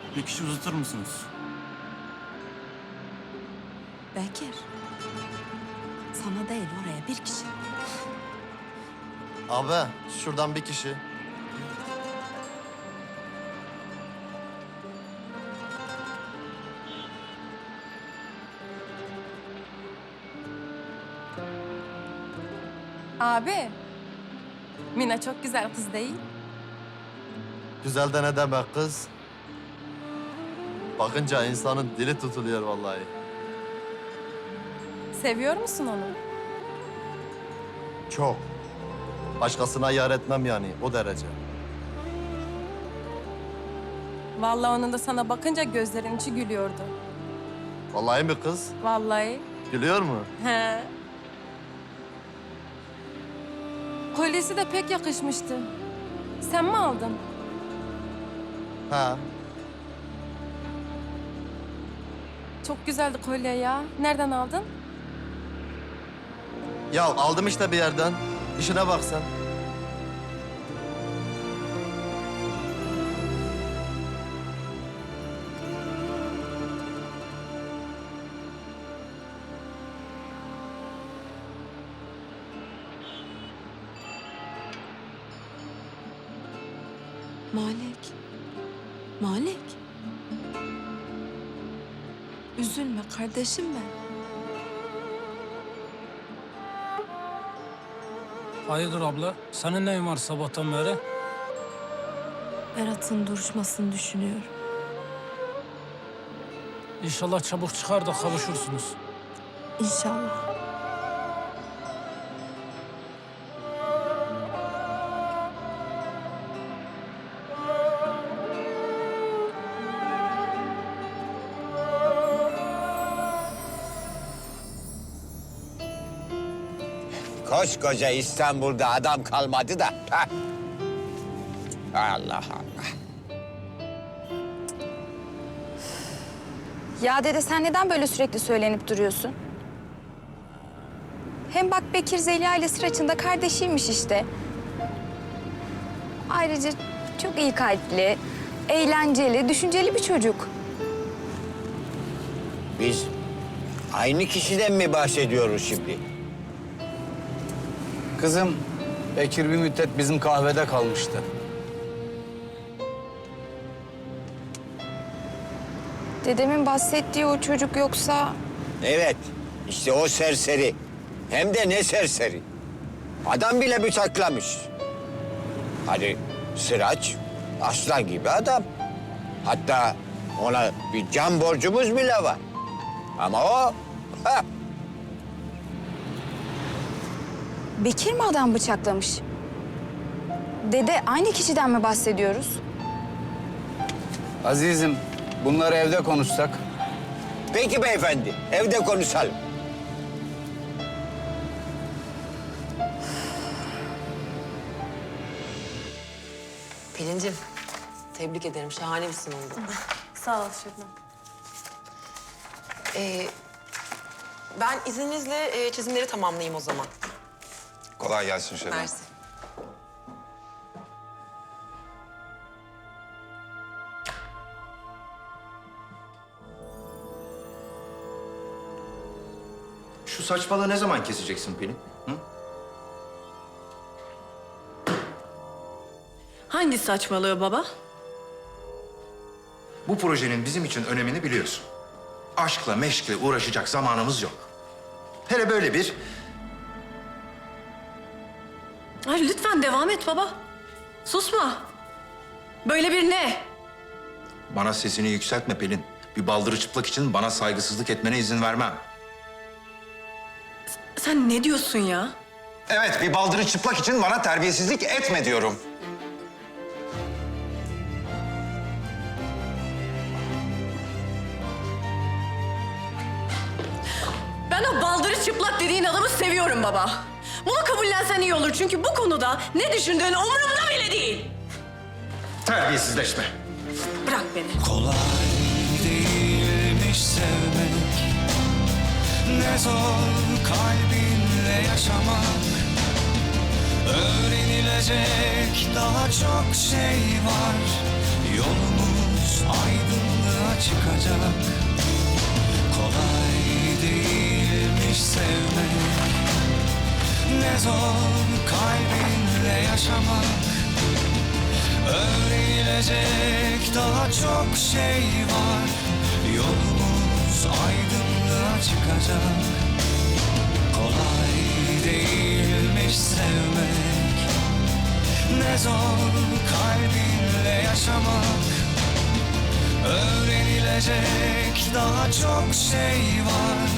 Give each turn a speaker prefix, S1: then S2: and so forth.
S1: Bir kişi uzatır mısınız?
S2: Bekir. Sana değil oraya bir kişi.
S3: Abi şuradan bir kişi.
S4: Abi, Mina çok güzel kız değil.
S3: Güzel de ne demek kız? Bakınca insanın dili tutuluyor vallahi.
S4: Seviyor musun onu?
S3: Çok. Başkasına yar etmem yani o derece.
S4: Vallahi onun da sana bakınca gözlerin içi gülüyordu.
S3: Vallahi mi kız?
S4: Vallahi.
S3: Gülüyor mu?
S4: He. Kolyesi de pek yakışmıştı. Sen mi aldın?
S3: Ha.
S4: Çok güzeldi kolye ya. Nereden aldın?
S3: Ya aldım işte bir yerden. İşine bak sen.
S2: Malik. Malik. Üzülme kardeşim ben.
S5: Hayırdır abla? Senin neyin var sabahtan beri?
S2: Berat'ın duruşmasını düşünüyorum.
S5: İnşallah çabuk çıkar da kavuşursunuz.
S2: İnşallah.
S6: Koskoca İstanbul'da adam kalmadı da. Heh. Allah Allah.
S7: Ya dede sen neden böyle sürekli söylenip duruyorsun? Hem bak Bekir Zeliha ile Sıraç'ın da kardeşiymiş işte. Ayrıca çok iyi kalpli, eğlenceli, düşünceli bir çocuk.
S6: Biz aynı kişiden mi bahsediyoruz şimdi?
S8: Kızım, Bekir bir müddet bizim kahvede kalmıştı.
S7: Dedemin bahsettiği o çocuk yoksa...
S6: Evet, işte o serseri. Hem de ne serseri. Adam bile bıçaklamış. Hadi Sıraç, aslan gibi adam. Hatta ona bir can borcumuz bile var. Ama o... Ha,
S7: Bekir mi adam bıçaklamış? Dede aynı kişiden mi bahsediyoruz?
S8: Azizim, bunları evde konuşsak.
S6: peki beyefendi, evde konuşalım.
S9: Pelin'cim, tebrik ederim. Şahane bir sunumdu.
S4: Sağ ol Şebnem.
S9: Ben izninizle çizimleri tamamlayayım o zaman.
S10: Kolay gelsin Şebnem.
S9: Mersi.
S10: Şu saçmalığı ne zaman keseceksin Pelin? Hı?
S9: Hangi saçmalığı baba?
S10: Bu projenin bizim için önemini biliyorsun. Aşkla meşkle uğraşacak zamanımız yok. Hele böyle bir...
S9: Ay, lütfen devam et baba. Susma. Böyle bir ne?
S10: Bana sesini yükseltme Pelin. Bir baldırı çıplak için bana saygısızlık etmene izin vermem.
S9: Sen ne diyorsun ya?
S10: Evet, bir baldırı çıplak için bana terbiyesizlik etme diyorum.
S9: Ben o baldırı çıplak dediğin adamı seviyorum baba. Bunu kabullensen iyi olur çünkü bu konuda ne düşündüğün umurumda bile değil.
S10: Terbiyesizleşme.
S9: Bırak beni.
S11: Kolay değilmiş sevmek, ne zor kalbinle yaşamak. Öğrenilecek daha çok şey var, yolumuz aydınlığa çıkacak. Kolay değilmiş sevmek, ne zor kalbinle yaşamak. Öğrenilecek daha çok şey var. Yolumuz aydınlığa çıkacak. Kolay değilmiş sevmek, ne zor kalbinle yaşamak. Öğrenilecek daha çok şey var.